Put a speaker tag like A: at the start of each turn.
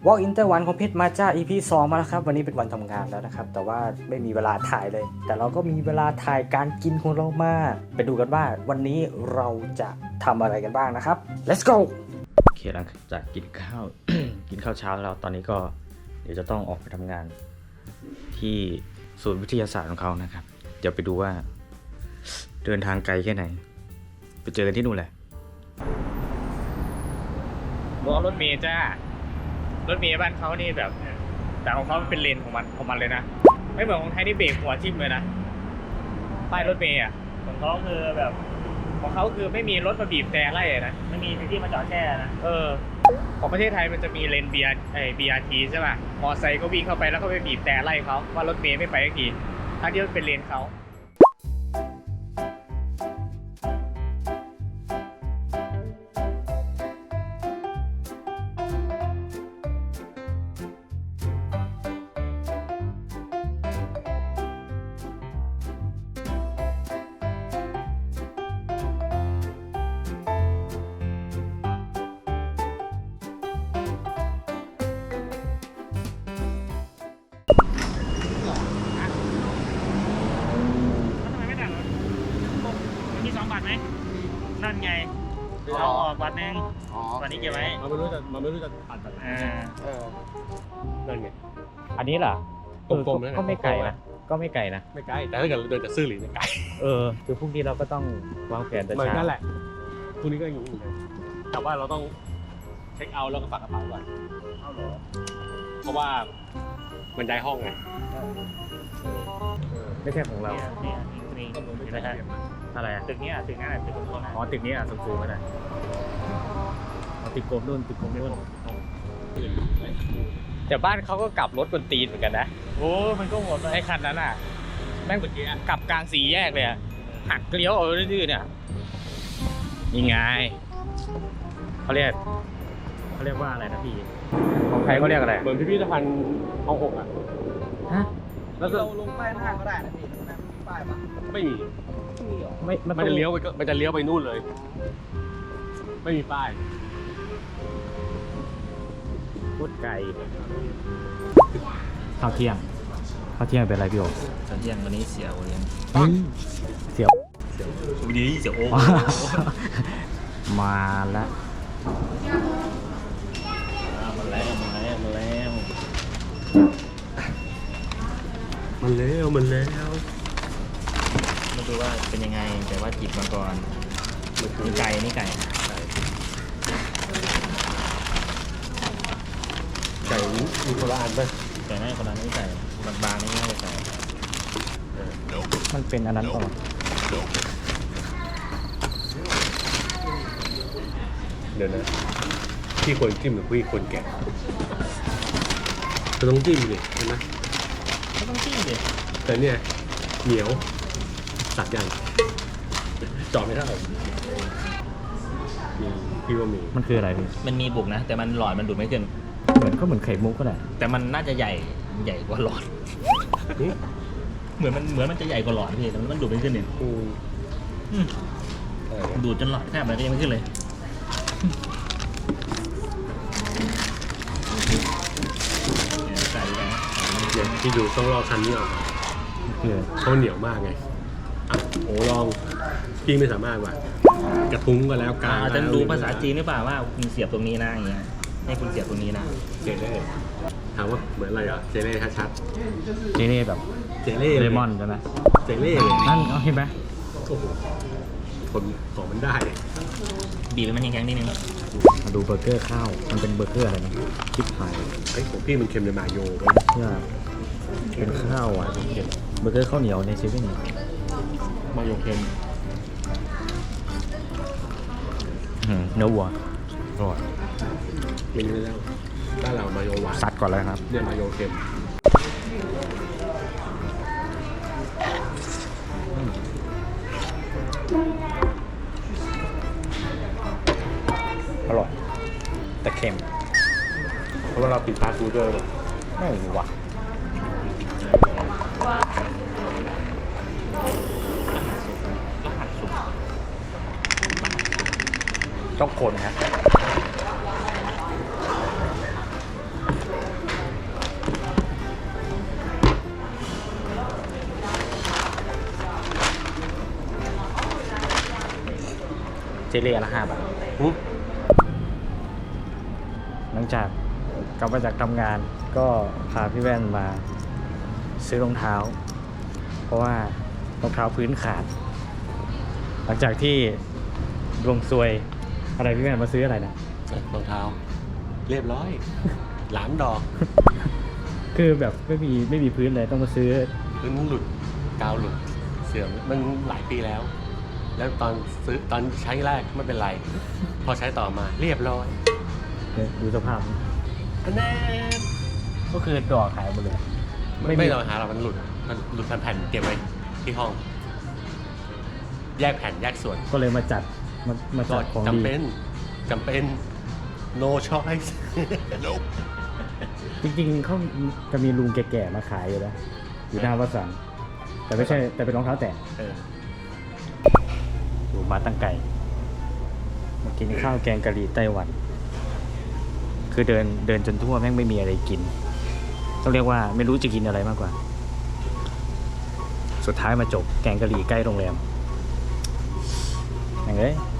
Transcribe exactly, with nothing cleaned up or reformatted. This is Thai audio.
A: Walk in ไต้หวันของเพชรมาจ้า อี พี สองมาแล้วครับวันนี้เป็นวันทำงานแล้วนะครับแต่ว่าไม่มีเวลาถ่ายเลยแต่เราก็มีเวลาถ่ายการกินของเรามาไปดูกันว่าวันนี้เราจะทำอะไรกันบ้างนะครับ let's go โอเคหลังจากกินข้าว กินข้าวเช้าแล้วตอนนี้ก็เดี๋ยวจะต้องออกไปทำงานที่ศูนย์วิทยาศาสตร์ของเขานะครับเดี๋ยวไปดูว่าเดินทางไกลแค่ไหนไปเจอกันที่นู่นแหละรอรถเมล์จ้ารถเมล์บ้านเขานี่แบบแต่ของเขาเป็นเลนของมันของมันเลยนะไม่เหมือนของไทยที่เบรกหัวทิ่มเลยนะป้ายรถเมล์อ่ะของเขาคือแบบของเขาคือไม่มีรถมาบีบแต่ไล่นะไม่มีที่มาจอดแช่นะเออของประเทศไทยมันจะมีเลน บี อาร์ ไอ้ บี อาร์ ที ใช่ป่ะมอไซค์ก็วิ่งเข้าไปแล้วก็ไปบีบแต่ไล่เขาว่ารถเมล์ไม่ไปสักทีทั้งที่มันเป็นเลนเขาบัตรไหมนั่นไงเอาออกบัตรนึงบัตรนี้เก็บไว้มันไม่รู้จะมันไม่รู้จะตัดแบบไหนเออนั่นไงอันนี้เหรอกลมๆก็ไม่ไกลนะก็ไม่ไกลนะไม่ไกลแต่ถ้าเกิดเดินจากซื่อหรือเนี่ยไกลเออคือพรุ่งนี้เราก็ต้องวางแผนแต่เช้านั่นแหละพรุ่งนี้ก็อยู่เลยแต่ว่าเราต้องเช็คเอาท์แล้วก็ฝากกระเป๋าก่อนเอาเหรอเพราะว่ามันย้ายห้องไงไม่ใช่ของเรานี่นี่นี่นะฮะอะไรอ่ะตึกนี้อ่ะตึกนี้อ่ะตึกนู้นอ๋อตึกนี้อ่ะสูงๆไปหน่อยอ๋อตึกกลมนู่นตึกกลมนู่นแต่บ้านเขาก็กลับรถบนตีนเหมือนกันนะโอ้มันก็หมดไอ้คันนั้นอ่ะแม่งเมื่อกี้กลับกลางสี่แยกเลยอ่ะหักเลี้ยวเอาดื้อๆเนี่ยยังไงเขาเรียกเขาเรียกว่าอะไรนะพี่ของใครเขาเรียกอะไรเหมือนพิพิธภัณฑ์ห้องหกอ่ะฮะแล้วเราลงป้ายหน้าก็ได้นะพี่มีป้ายปะไม่มีไม่มันจะเลี้ยวไปมันจะเลี้ยวไปนู่นเลยไม่มีป้ายพูดไกลข้าวเที่ยงข้าวเที่ยงเป็นอะไรพี่โอข้าวเที่ยงวันนี้เสียวเลี้ยงเสียววันนี้เสียวโอ้มาแล้วมาแล้วมาแล้วมาแล้วมันแล้วมันแล้วมาดูว่าเป็นยังไงแต่ว่าจิบมาก่อนนี่ไก่นี่ไก่ไก่มีคนละอันป่ะไก่ไม่คนละนี่ไก่บางๆนี่ไม่ใช่ไก่มันเป็นอันนั้นก่อนเดี๋ยวนะพี่ควรจิ้มหรือพี่ควรแกะก็ต้องจิ้มดิใช่ไหมก็ต้องจิ้มดิแต่เนี่ยเหนียวตัดยังจอดไม่ได้มีพี่ว่ามีมันคืออะไรพี่
B: มันมีบุกนะแต่มันหลอดมันดูดไม่ขึ้น
A: เหมือนก็เหมือนไข่มุกก็ได้
B: แต่มันน่าจะใหญ่ใหญ่กว่าหลอดเหมือนมันเหมือนมันจะใหญ่กว่าหลอดพี่แต่มันดูดไม่ขึ้นเนี่ยดูดจนหลอดแทบเลยก็ยังไม่ขึ้นเลยใส่แล้ว
A: ที่ดูต้องรอคันนี้ออกเขาเหนียวมากไงโอ้ลองพี่ไม่สามารถว่ะกระทุ้งก็แล้วกลาง
B: อาจจะดูภาษาจีนหรือเปล่าว่าคุณเสียบตรงนี้นะอย่างเงี้ยให้คุณเสียบตรงนี้นะ
A: เจเล่ถามว่าเหมือนอะไรอ่ะเจเล่ชัดๆเจเล่แบบเจเล่เลมอนใช่ไหมเจเล่นั่นเห็นไหมโอ้โหทนของมันได้
B: บีบมันยังแข็งนิดนึง
A: มาดูเบอร์เกอร์ข้าวมันเป็นเบอร์เกอร์อะไรนะคิดไทยไอ้ของพี่มันเค็มในมาโยใช่เป็นข้าวอ่ะเบอร์เกอร์ข้าวเหนียวในเซเว่นมาโยเค็มเนื้อวัวอร่อยเมนูแล้วบ้านเรามาโยหวานซัดก่อนเลยครับเนี่ยมาโยเค็มอร่อยแต่เค็มเพราะว่าเราปิดฟาสต์ฟู้ดด้วยไม่หวานต้องคนฮะเจเล่ละห้าบาท
B: อุ๊ย
A: หลังจากกลับมาจากทำงานก็พาพี่แว่นมาซื้อรองเท้า เพราะว่ารองเท้าพื้นขาด หลังจากที่ดวงซวยอะไรพี่แว่นมาซื้ออะไรนะ
B: รองเท้า เรียบร้อย หลานดอก
A: คือแบบไม่มีไม่มีพื้นเลยต้องมาซื้อ
B: พื้นหลุดกาวหลุดเสื่อมมันหลายปีแล้ว แล้วตอนซื้อตอนใช้แรกไม่เป็นไร พอใช้ต่อมาเรียบร้อย
A: เนี่ยดูสภาพ
B: แน่
A: ก็คือดอกขายหมดเลย
B: ไม่ไม่เราหาเรามันหลุดมันหลุดแผ่นๆเก็บไว้ที่ห้อง แยกแผ่นแยกส่วน
A: ก็เลยมาจัดมามา
B: ก็
A: จัดของ
B: จำ
A: ดี
B: เป็นจำเป็น no choice
A: จริงๆเขาจะมีลุงแก่ๆมาขายอยู่แล้วอยู่หน้าวัดสันแต่ไม่ใช่แต่เป็นรองเท้าแตะ
B: เออ
A: อยู่มาตั้งไก่มากินข้าวแกงกะหรี่ไต้หวัน คือเดินเดินจนทั่วแม่งไม่มีอะไรกิน ต้องเรียกว่าไม่รู้จะกินอะไรมากกว่า สุดท้ายมาจบแกงกะหรี่ใกล้โรงแรมอย่างเอ้ย